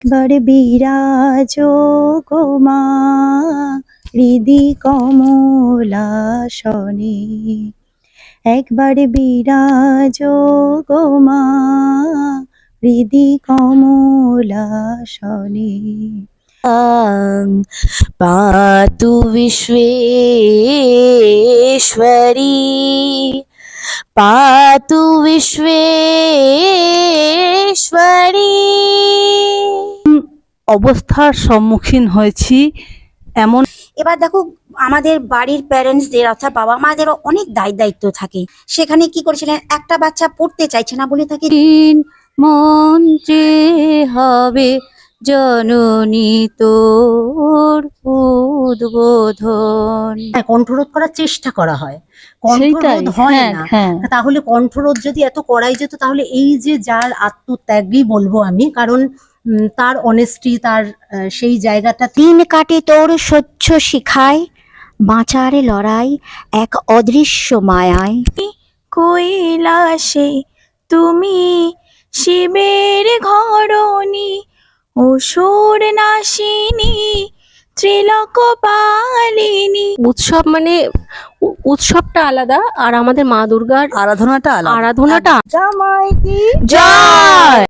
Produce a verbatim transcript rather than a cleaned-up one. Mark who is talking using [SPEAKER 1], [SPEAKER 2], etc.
[SPEAKER 1] বার বিরাজ গো মা হৃদি কমলাসনে, একবার বিরাজ গো মা হৃদি কমলাসনে।
[SPEAKER 2] পাতু বিশ্বেশ্বরী, পাতু বিশ্বেশ্বরী।
[SPEAKER 3] অবস্থার সম্মুখীন হয়েছি এমন।
[SPEAKER 4] এবার দেখো, আমাদের বাড়ির প্যারেন্টসদের অর্থাৎ বাবা মাদেরও অনেক দায় দায়িত্ব থাকে। সেখানে কি করেছিলেন, একটা বাচ্চা পড়তে চাইছে না বলে তাকে
[SPEAKER 2] মন্ত্রে হবে জননী তোর উদ্বোধন,
[SPEAKER 5] কণ্ঠরোধ করার চেষ্টা করা হয়,
[SPEAKER 3] সেইটাই,
[SPEAKER 5] কণ্ঠরোধ হয়
[SPEAKER 3] হ্যাঁ,
[SPEAKER 5] না।
[SPEAKER 3] হ্যাঁ।
[SPEAKER 5] তাহলে কণ্ঠরোধ যদি এত করাই যেত, তাহলে এই যে যার আত্মত্যাগই বলবো আমি, কারণ উম, তার অনেস্টি, তার আহ, সেই জায়গাটা।
[SPEAKER 4] দিন কাটে তোর স্বচ্ছ শিখায়, বাঁচার লড়াই এক অদৃশ্য মায়ায়। কৈলাসে তুমি শিবের ঘরণী, অসুর নাশিনী ত্রিলোক পালিনী।
[SPEAKER 2] উৎসব মানে উ- উৎসবটা আলাদা, আর আমাদের মা দুর্গার
[SPEAKER 3] আরাধনাটা আলাদা।
[SPEAKER 2] আরাধনাটা
[SPEAKER 1] জামাই কি
[SPEAKER 2] জয়।